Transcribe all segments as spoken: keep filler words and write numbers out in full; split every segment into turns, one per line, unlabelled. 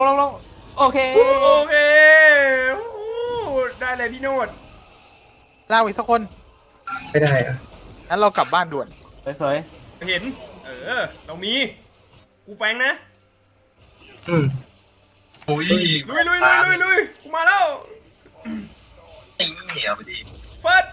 ลงลงโอเค
โอเคได้เลยพี่โนด
ลากอีกสักคน
ไม่ได้อะ
งั้นเรากลับบ้านด่วน
สวย
เห็น เออ เรามี กูแฟงนะ
อืม
โอ้ย
ลุยลุยลุยลุยลุยกูมาแล้ว
ตีเหนียวไปดิ
เฟิร์ส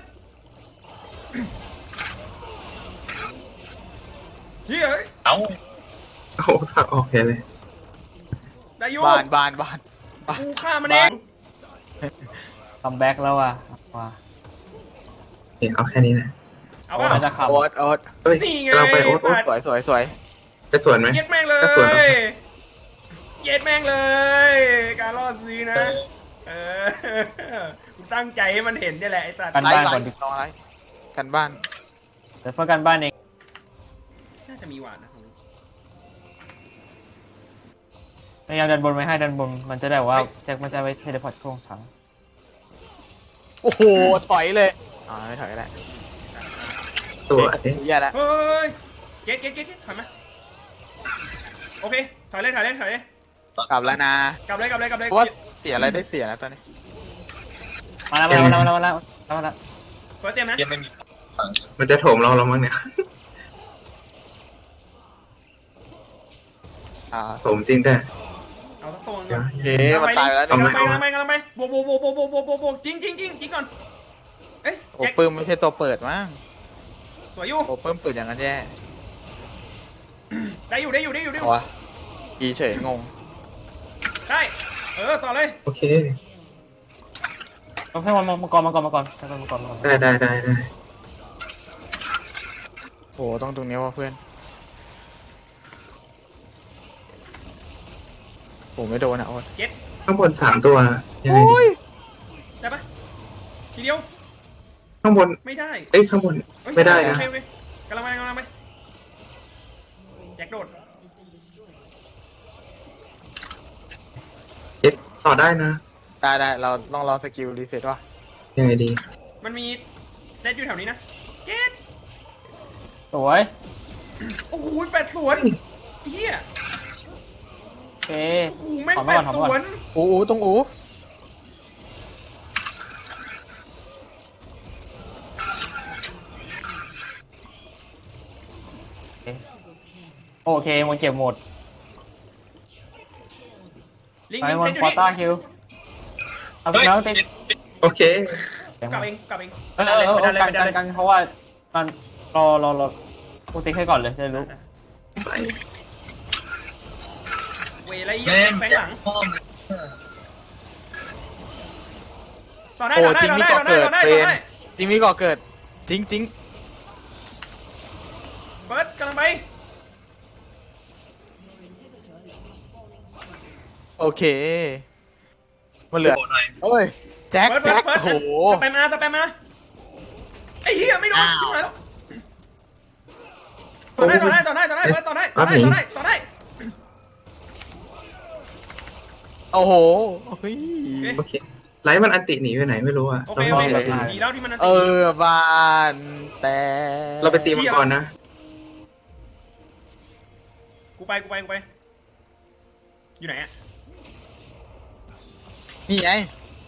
เฮ้ย
เอ้า
โอ้ทางออกแค่เลย
ได้อยู
บ้านบ้านบ้านบ้าน
กูฆ่ามันเอง
ๆคัมแบ็กแล้วอ่ะว่ะ
เห็นเอาแค่นี้นะ
เอาป่ะ
น่าจะขับ
โอ๊ตโอ๊ต
เฮ้ย
นี่ไง
กำลังไปโอ๊ตโอ๊ต
สวยสวยสวย
ไปสวนไหม
เย็ดแม่งเล
ก็สวนเอา
ย เย็ดแม่งเลย การล่อซื้อนะ เออ กูตั้งใจให้มันเห็นนี่แหละไอ้สัตว์
กัน
ไล่
บ้าน
ไล่
ก่อนดิ
ลองไล่กันบ้าน
เดี๋ยวเพื่อกันบ้านเอง
น่าจะมีหวานนะของลูก
พยายามดันบนไว้ให้ดันบนมันจะได้ว่าแจ็คมันจะไปเทเลพอร์ตช่วงถัง
โอ้โหถอยเลยอ่าไม่ถอยก็ได้
ตัวเอ๊ะ
แย่แล้ว
เฮ้ย เก็ตเก็ตเก็ตเก็ตถอยมา โอเค ถอยเลยถอยเลยถอยเลย
กลับแล้วนะ
กลับเลยกลับเลยกลับเลย
เพราะว่าเสียอะไรได้เสียนะตอนนี้
มาแล้วมาแล้วมาแล้วมาแล้วมาแล้ว
เฟิร์สเตรียมนะ
ยังไม่มี
มันจะโถมเราแล้วมั้งเนี่ย
อ่า
โถมจริงแต่
เอาสักตัวหนึง
เดี๋ยว
เอ๊ะมันตายไปแล้ว
กำ
เนี่ย
ลังไปกำลังไปกำลังไปบวกบวกบวกบวกบวกบวกบวกบวกจริงจริงจริงจริงก่อน เอ้ย
โอ้
แจ็ค
ปื้มไม่ใช่ตัวเปิดมั้ง
สวยอยู่
โอ้ปื้มเปิดอย่างนั้นแย่
ได้อยู่ได้อยู่ได้อยู่ได้อ
เอา
ยู่
วะอีเฉยงง
ได้ เออ ต่อเลย
โอเค
ต้องให้มันมังกรมังกรมังกรให้มันมังกรมังกร
ได้ได้ได้ได้
โอ้ต้องตรงนี้ว่ะเพื่อนโอ้ไม่โดนอ่ะโอ๊ต
เจ็ด
ข้างบนสามตัวยังไง
โอ้
ดี
ย
ได้ปะทีเดียว
ข้างบน
ไม่ได้
เอ้ยข้างบน
เอ้ย
ไม่ได้นะ
โอเคโอเคกำลังไปกำลังไปแจ็คโดด
เอ๊ะต่อได้นะ
ได้ได้เราลองรอสกิลรีเซ็ตว่ะ
ยังไงดี
มันมีเซตอยู่แถวนี้นะเจ็ด
สวย
โอ้โหแฟดสวนเฮีย
โอเค
โอ้โหแม่ง
ถอน
แฟ
มาก่
ด
อนถอน
ส
มาก่
ว
อน
น
อูอูตรงอู
โอเคมันเก็บหมด
ลิง
ไป
ลิง
มั
เซ
น
ตอยู่
ควอ
นี่
ต้าคิวเอาไป
เฮ้ย
แล้วติด
โอเค
กลับเองกลับเอง
เออเออเออ
ไปดันเลย
กั
ไป
น
ดัน
กัน
เลย
กันเพราะว่าตอนรอรอรอโปรเทคให้ก่อนเลยจะได้รู้
ไป
เวไรเหี้ย
แม่ง
แฟงหลัง
พ่อม
ต่อได้
โอ้
ต่อได้
จริง
ต่อ
มี
ได้
ก่อ
ต่อได้
เกิด
ต่อได้
เฟร
ต่อน ได้
จริงมีก่อเกิดจริงจริง
เฟิร์สกำลังไป
โอเคมันเหลือ
โอ้หน่อย
โอ้ยแจ็ค
เฟิร์สเฟิ
แจ็
ร์
ค
สเฟิร์ส
โอ้โห
สแปมมาสแปมมาไอ้เหี้ยไม่โดน
อ้าว
ชิบหายแล้วต่อได้ต่อได้ต่อได้ต่อได้เฟิร์สต่อได้ต่อได้ต่อได้ต่อได้
โอ้โหเฮ้ย
โอเคไลท์มันอันติหนีไปไหนไม่รู้อะ
โอ
ต้
เค
อง
โอ
รอ
เค
แบบ
ดีแล้วที่มันนั่น
เออบ้านแต่
เราไปตีมังกรนะ
กูไปกูไปกูไปอยู่ไหนอะ
นี่ไง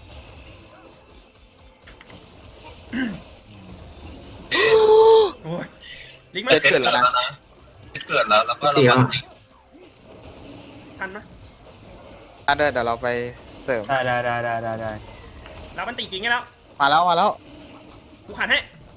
โอ้ยลิงก์มา
เกิดแล้วนะเกิดแล้วแล้วก็เราจริง
ทันนะ
อันเดอร์เดี๋ยวเราไปเสริม
ได้ได้ได้ได้ได้ได้
รับมันตีจริงไงแล้ว
มาแล้วมาแล้ว
กูขันให้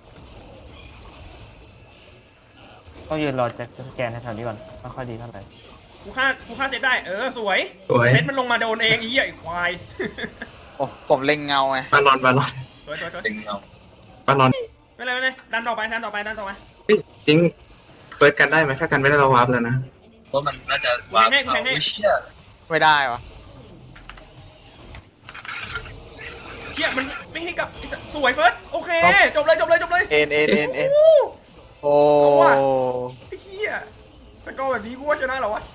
ต้องยืนรอแจ็คสแกนในแถวนี้ก่อนไม่ค่อยดีเท่าไหร่
กูฆ่ากูฆ่าเซตได้เออสวย
สวย
เซตมันลงมาโดนเองไอ้เหี้ยไอ้ควาย
โอ้ผมเล็งเงาไง
บาลอนบาลอน
สวยสวยสวย
จริงเอา
บาลอน
ไม่เป็นไรไม่เป็นไรดันต่อไปดันต่อไปดันต่อไป
เฮ้ยจริงเปิดกันได้ไหมถ้ากันไม่ได้เราวาร์ปแล้วนะ
เพราะมันน่าจะวางเอาไม่เชี่ย
ไม่ได้วะ
เหี้ยมันไม่ให้กลับไอ้สัสสวยเฟิร์สโอเคจบเลยจบเลยจบเลย
เอ็นเอ็นเอ็นเอ็น
โอ้โห
โอ้
เอาว่ะ ไอ้เหี้ยสกอร์แบบนี้กูว่าชนะเหรอวะ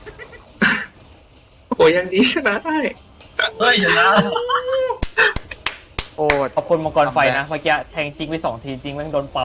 โอ้ยยังดีชนะได้
เฮ้ยชนะ
โอ้
ขอบคุณมังกรไฟนะเมื่อกี้แทงจริงไปสองทีจริงแม่งโดนเป่า